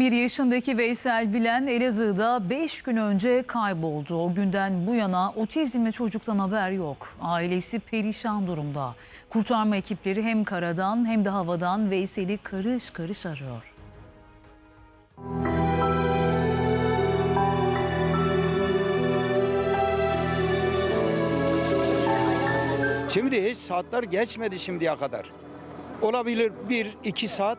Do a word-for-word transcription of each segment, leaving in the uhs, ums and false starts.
on bir yaşındaki Veysel Bilen Elazığ'da beş gün önce kayboldu. O günden bu yana otizmli çocuktan haber yok. Ailesi perişan durumda. Kurtarma ekipleri hem karadan hem de havadan Veysel'i karış karış arıyor. Şimdi hiç saatler geçmedi şimdiye kadar. Olabilir bir iki saat,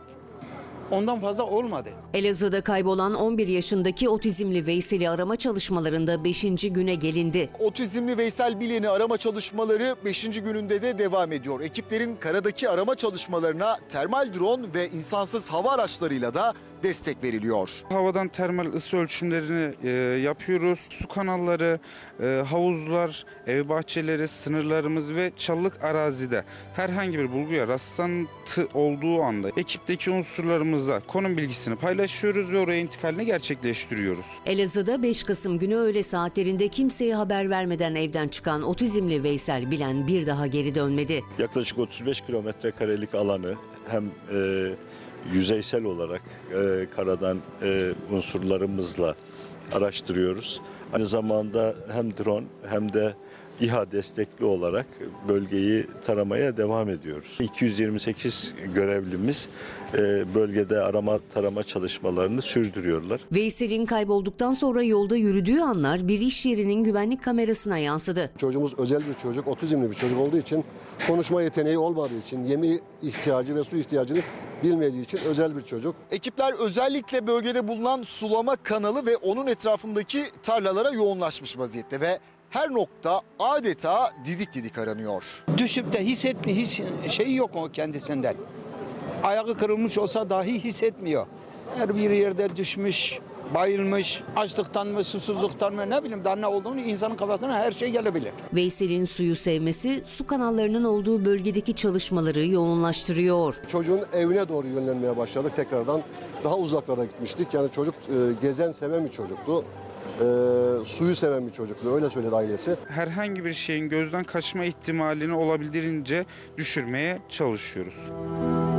ondan fazla olmadı. Elazığ'da kaybolan on bir yaşındaki otizmli Veysel'i arama çalışmalarında beşinci güne gelindi. Otizmli Veysel Bilen'i arama çalışmaları beşinci gününde de devam ediyor. Ekiplerin karadaki arama çalışmalarına termal drone ve insansız hava araçlarıyla da destek veriliyor. Havadan termal ısı ölçümlerini e, yapıyoruz. Su kanalları, e, havuzlar, ev bahçeleri, sınırlarımız ve çalılık arazide herhangi bir bulguya rastlantı olduğu anda ekipteki unsurlarımızla konum bilgisini paylaşıyoruz ve oraya intikalini gerçekleştiriyoruz. Elazığ'da beş Kasım günü öğle saatlerinde kimseye haber vermeden evden çıkan otizmli Veysel Bilen bir daha geri dönmedi. Yaklaşık otuz beş kilometre karelik alanı hem e, yüzeysel olarak e, karadan e, unsurlarımızla araştırıyoruz. Aynı zamanda hem drone hem de İHA destekli olarak bölgeyi taramaya devam ediyoruz. iki yüz yirmi sekiz görevlimiz e, bölgede arama tarama çalışmalarını sürdürüyorlar. Veysel'in kaybolduktan sonra yolda yürüdüğü anlar bir iş yerinin güvenlik kamerasına yansıdı. Çocuğumuz özel bir çocuk, otizmli bir çocuk olduğu için, konuşma yeteneği olmadığı için, yeme ihtiyacı ve su ihtiyacını bilmediği için özel bir çocuk. Ekipler özellikle bölgede bulunan sulama kanalı ve onun etrafındaki tarlalara yoğunlaşmış vaziyette ve her nokta adeta didik didik aranıyor. Düşüp de hissetmi, his şeyi yok o kendisinden. Ayağı kırılmış olsa dahi hissetmiyor. Her bir yerde düşmüş, bayılmış, açlıktan mı, susuzluktan mı, ne bileyim daha ne olduğunu insanın kafasına her şey gelebilir. Veysel'in suyu sevmesi su kanallarının olduğu bölgedeki çalışmaları yoğunlaştırıyor. Çocuğun evine doğru yönlenmeye başladık tekrardan. Daha uzaklara gitmiştik. Yani çocuk e, gezen, seven bir çocuktu. E, suyu seven bir çocuktu. Öyle söyledi ailesi. Herhangi bir şeyin gözden kaçma ihtimalini olabildiğince düşürmeye çalışıyoruz.